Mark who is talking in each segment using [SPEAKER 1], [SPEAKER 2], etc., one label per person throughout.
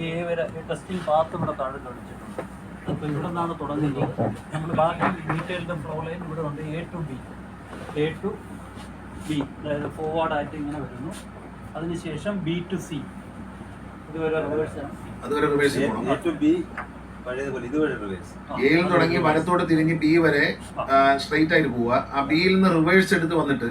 [SPEAKER 1] A വരെ testing path ഇവിടെ താഴെ കാണിച്ചിട്ടുണ്ട്. അപ്പോൾ ഇവിടെ നിന്നാണ് തുടങ്ങുന്നത്. നമ്മൾ ബാക്കി ഡീറ്റെയിൽഡ് ഫ്ലോ ലൈൻ ഇവിടെ ഉണ്ട്. എ ടു ബി, അതായത് ഫോർവേഡായിട്ട് ഇങ്ങനെ വരുന്നു. അതിനുശേഷം ബി ടു സി, ഇതുവരെ റിവേഴ്സാണ്.
[SPEAKER 2] എയിൽ തുടങ്ങി വലത്തോട് തിരിഞ്ഞ് ബി വരെ സ്ട്രെയിറ്റ് ആയിട്ട് പോവുക. ആ ബിയിൽ നിന്ന് റിവേഴ്സ് എടുത്ത് വന്നിട്ട്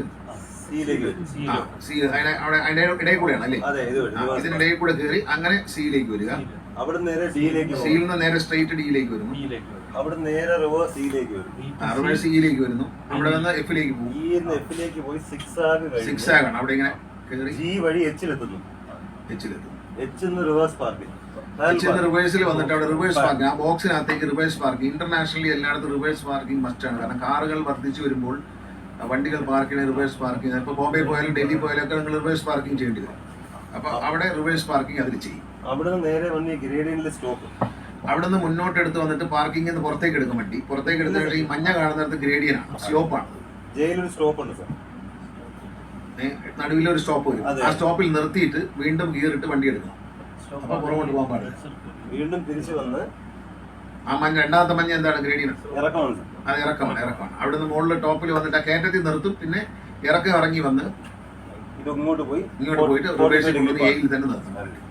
[SPEAKER 2] അതിന്റെ ഇടയിൽ കൂടെയാണ് അല്ലേ? ഇതിനിടയിൽ കൂടെ കയറി അങ്ങനെ സിയിലേക്ക് വരിക. സിയിൽ നിന്ന് നേരെ സ്ട്രെയിറ്റ് ഡിയിലേക്ക് വരുന്നു.
[SPEAKER 3] അവിടെ നേരെ റിവേഴ്സ് സിയിലേക്ക് വരും.
[SPEAKER 2] റിവേഴ്സ് സിയിലേക്ക് വരുന്നു. അവിടെ നിന്ന് എഫിലേക്ക് പോകും.
[SPEAKER 3] എഫിലേക്ക് പോയി
[SPEAKER 2] സിക്സ് ആകാണ്. അവിടെ ഇങ്ങനെ കയറി
[SPEAKER 3] ജി വഴി എച്ചിലെത്തുന്നു. Reverse parking.
[SPEAKER 2] റിവേഴ്സിൽ വന്നിട്ട് അവിടെ റിവേഴ്സ് പാർക്കിംഗ്, ആ ബോക്സിനകത്തേക്ക് റിവേഴ്സ് പാർക്കിംഗ്. ഇന്റർനാഷണലി എല്ലായിടത്തും റിവേഴ്സ് പാർക്കിംഗ് മസ്റ്റാണ്. കാരണം കാറുകൾ വർദ്ധിച്ചു വരുമ്പോൾ വണ്ടികൾ പാർക്ക് ചെയ്യുന്ന റിവേഴ്സ് പാർക്കിംഗ്. ഇപ്പോൾ ബോംബെ പോയാലും ഡൽഹി പോയാലും ഒക്കെ നിങ്ങൾ റിവേഴ്സ് പാർക്കിംഗ് ചെയ്യേണ്ടി വരും. അപ്പൊ അവിടെ റിവേഴ്സ് പാർക്കിംഗ് അതിൽ ചെയ്യും.
[SPEAKER 3] അവിടെ നേരെ വന്ന് ഗ്രേഡിയന്റിൽ സ്റ്റോപ്പ്.
[SPEAKER 2] അവിടെ നിന്ന് മുന്നോട്ട് എടുത്ത് വന്നിട്ട് പാർക്കിംഗ് പുറത്തേക്ക് എടുക്കും വണ്ടി. പുറത്തേക്ക് എടുത്തിട്ട് ഈ മഞ്ഞ കാണുന്നിടത്ത് ഗ്രേഡിയനാണ്, സ്ലോപ്പാണ്.
[SPEAKER 3] ജയിലൊരു സ്റ്റോപ്പ് ഉണ്ട് സാർ.
[SPEAKER 2] നടുവിലൊരു സ്റ്റോപ്പ് വരും. ആ സ്റ്റോപ്പിൽ നിർത്തിയിട്ട് വീണ്ടും ഗിയർ ഇട്ട് വണ്ടി എടുക്കണം. അപ്പൊ പുറകോട്ട് പോകാൻ പാടില്ല.
[SPEAKER 3] വീണ്ടും തിരിച്ചു വന്ന്
[SPEAKER 2] ആ മഞ്ഞ, രണ്ടാമത്തെ മഞ്ഞ എന്താണ്? ഗ്രേഡിയൻ.
[SPEAKER 3] ഇറക്കമാണ്.
[SPEAKER 2] അത് ഇറക്കമാണ്. അവിടെ നിന്ന് മുകളിൽ ടോപ്പിൽ വന്നിട്ട് ആ കയറ്റത്തിൽ നിർത്തും. പിന്നെ ഇറക്കം ഇറങ്ങി വന്ന്
[SPEAKER 3] ഇത് ഇങ്ങോട്ട് പോയിട്ട്
[SPEAKER 2] റിവേഴ്സിൽ കൊണ്ടുവന്ന് എയിൽ തന്നെ നിർത്തും.